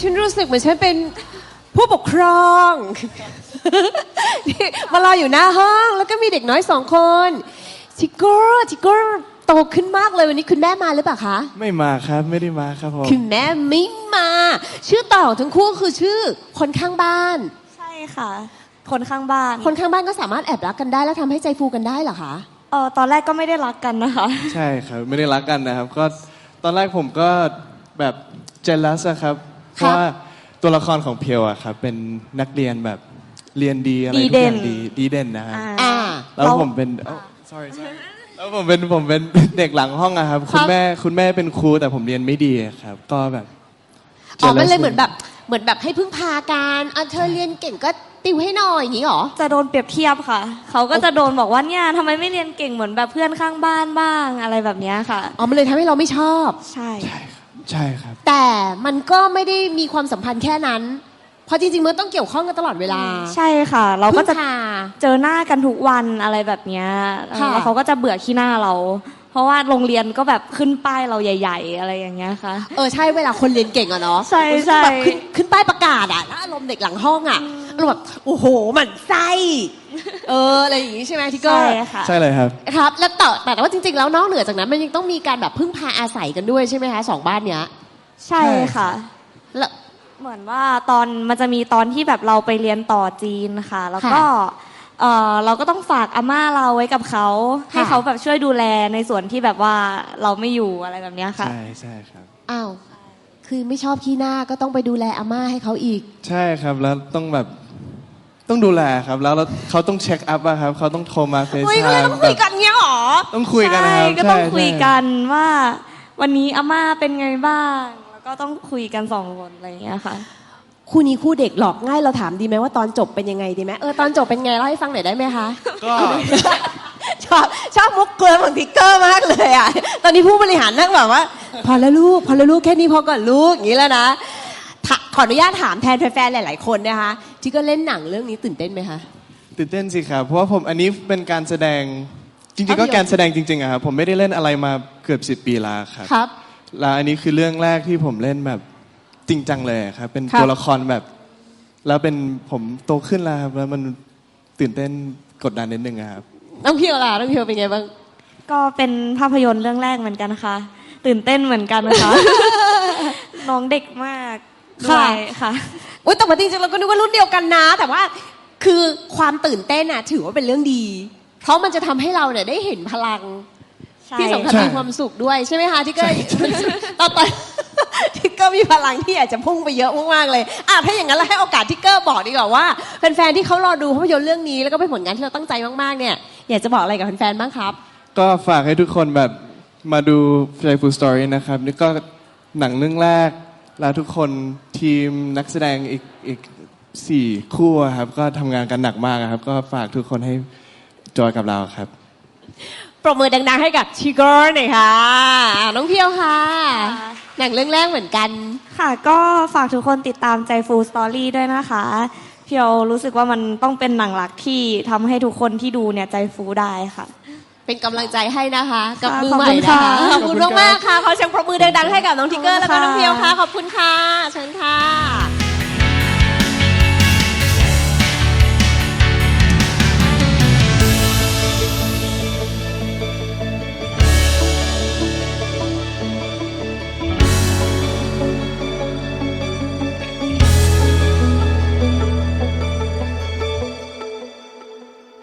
ฉันรู้สึกเหมือนฉันเป็นผู้ปกครองมารออยู่หน้าห้องแล้วก็มีเด็กน้อย2 คนทิกเกอร์โตขึ้นมากเลยวันนี้คุณแม่มาหรือเปล่าคะไม่มาครับไม่ได้มาครับผมคุณแม่ไม่มาชื่อต่อทั้งคู่คือชื่อคนข้างบ้านใช่ค่ะ คนข้างบ้านคนข้างบ้านก็สามารถแอบรักกันได้แล้วทำให้ใจฟูกันได้เหรอคะตอนแรกก็ไม่ได้รักกันนะคะใช่ครับไม่ได้รักกันนะครับก็ตอนแรกผมก็แบบเจลัสครับเพราะว่าตัวละครของเพียวอะครับเป็นนักเรียนแบบเรียนดีอะไรทุกอย่างดีเด่นนะฮะแล้วผมเป็นsorry แล้วผมเป็นเด็กหลังห้องอะครับคุณแม่เป็นครูแต่ผมเรียนไม่ดีครับก็แบบมันเลยเหมือนแบบให้พึ่งพากันเธอเรียนเก่งก็ติวให้หน่อยอย่างนี้หรอจะโดนเปรียบเทียบค่ะเขาก็จะโดนบอกว่าเนี่ยทำไมไม่เรียนเก่งเหมือนแบบเพื่อนข้างบ้านบ้างอะไรแบบนี้ค่ะมันเลยทำให้เราไม่ชอบใช่ครับแต่มันก็ไม่ได้มีความสัมพันธ์แค่นั้นเพราะจริงๆมันต้องเกี่ยวข้องกันตลอดเวลาใช่ค่ะเราก็จะเจอหน้ากันทุกวันอะไรแบบนี้แล้วเขาก็จะเบื่อขี้หน้าเราเพราะว่าโรงเรียนก็แบบขึ้นป้ายเราใหญ่ๆอะไรอย่างเงี้ยค่ะใช่เวลาคนเรียนเก่งอะเนาะใช่แบบขึ้นป้ายประกาศอะแล้วอารมณ์เด็กหลังห้องอะอารมณ์แบบโอ้โหหมั่นไส้อะไรอย่างงี้ใช่ไหมที่ก็ใช่เลยครับครับแล้วแต่ว่าจริงๆแล้วนอกเหนือจากนั้นมันยังต้องมีการแบบพึ่งพาอาศัยกันด้วยใช่ไหมคะ2 บ้านเนี้ยใช่ค่ะแล้วเหมือนว่ามันจะมีตอนที่แบบเราไปเรียนต่อจีนค่ะแล้วก็เราก็ต้องฝากอาม่าเราไว้กับเขาให้เขาแบบช่วยดูแลในส่วนที่แบบว่าเราไม่อยู่อะไรแบบนี้ค่ะใช่ครับคือไม่ชอบขี้หน้าก็ต้องไปดูแลอาม่าให้เขาอีกใช่ครับแล้วต้องดูแลครับแล้วเขาต้องเช็คอัพครับเขาต้องโทรมาเฟซไทม์ต้องคุยกันเงี้ยหรอต้องคุยกันนะครับก็ต้องคุยกันว่าวันนี้อาม่าเป็นไงบ้างแล้วก็ต้องคุยกัน2 คนอะไรอย่างเงี้ยค่ะคู่นี้คู่เด็กหลอกง่ายเราถามดีไหมว่าตอนจบเป็นยังไงดีไหมตอนจบเป็นไงเล่าให้ฟังหน่อยได้ไหมคะก็ชอบมุกเกลือของทิกเกอร์มากเลยอ่ะตอนนี้ผู้บริหารนั่งแบบว่าพอแล้วลูกแค่นี้พอก่อนลูกอย่างนี้แล้วนะขออนุญาตถามแทนแฟนๆหลายๆคนนะคะที่ก็เล่นหนังเรื่องนี้ตื่นเต้นไหมคะตื่นเต้นสิครับเพราะว่าอันนี้เป็นการแสดงจริงๆก็การแสดงจริงๆอะครับผมไม่ได้เล่นอะไรมาเกือบ10 ปีแล้วครับแล้วอันนี้คือเรื่องแรกที่ผมเล่นแบบจริงจังเลยครับเป็นตัวละครแบบแล้วเป็นผมโตขึ้นแล้วครับแล้วมันตื่นเต้นกดดันนิดนึงครับน้องเพียวล่ะน้องเพียวเป็นไงบ้างก็เป็นภาพยนตร์เรื่องแรกเหมือนกันนะคะตื่นเต้นเหมือนกันนะคะ น้องเด็กมากค่ะแต่ว่าจริงๆเราก็นึกว่ารุ่นเดียวกันนะแต่ว่าคือความตื่นเต้นน่ะถือว่าเป็นเรื่องดีเพราะมันจะทำให้เราเนี่ยได้เห็นพลังที่สำคัญมีความสุขด้วยใช่ไหมคะที่ก็ตอนทิกเกอร์มีพลังที่อยากจะพุ่งไปเยอะมากๆเลยถ้าอย่างนั้นเราให้โอกาสทิกเกอร์บอกดีกว่าว่าแฟนๆที่เขารอดูภาพยนตร์เรื่องนี้แล้วก็เป็นผลงานที่เราตั้งใจมากๆเนี่ยอยากจะบอกอะไรกับแฟนๆบ้างครับก็ฝากให้ทุกคนแบบมาดู Playful Story นะครับนี่ก็หนังเรื่องแรกแล้วทุกคนทีมนักแสดงอีก4 คู่ครับก็ทำงานกันหนักมากครับก็ฝากทุกคนให้จอยกับเราครับปรบมือดังๆให้กับทิกเกอร์หน่อยค่ะน้องเพียวค่ะหนังเรื่องแรกเหมือนกันค่ะก็ฝากทุกคนติดตามใจฟูสตอรี่ด้วยนะคะเพียวรู้สึกว่ามันต้องเป็นหนังหลักที่ทำให้ทุกคนที่ดูเนี่ยใจฟูได้ค่ะเป็นกำลังใจให้นะคะกับมือใหม่นะคะขอบคุณมากๆค่ะขอเสียงปรบมือดังๆให้กับน้องทิกเกอร์แล้วก็น้องเพียวค่ะขอบคุณค่ะเชิญค่ะ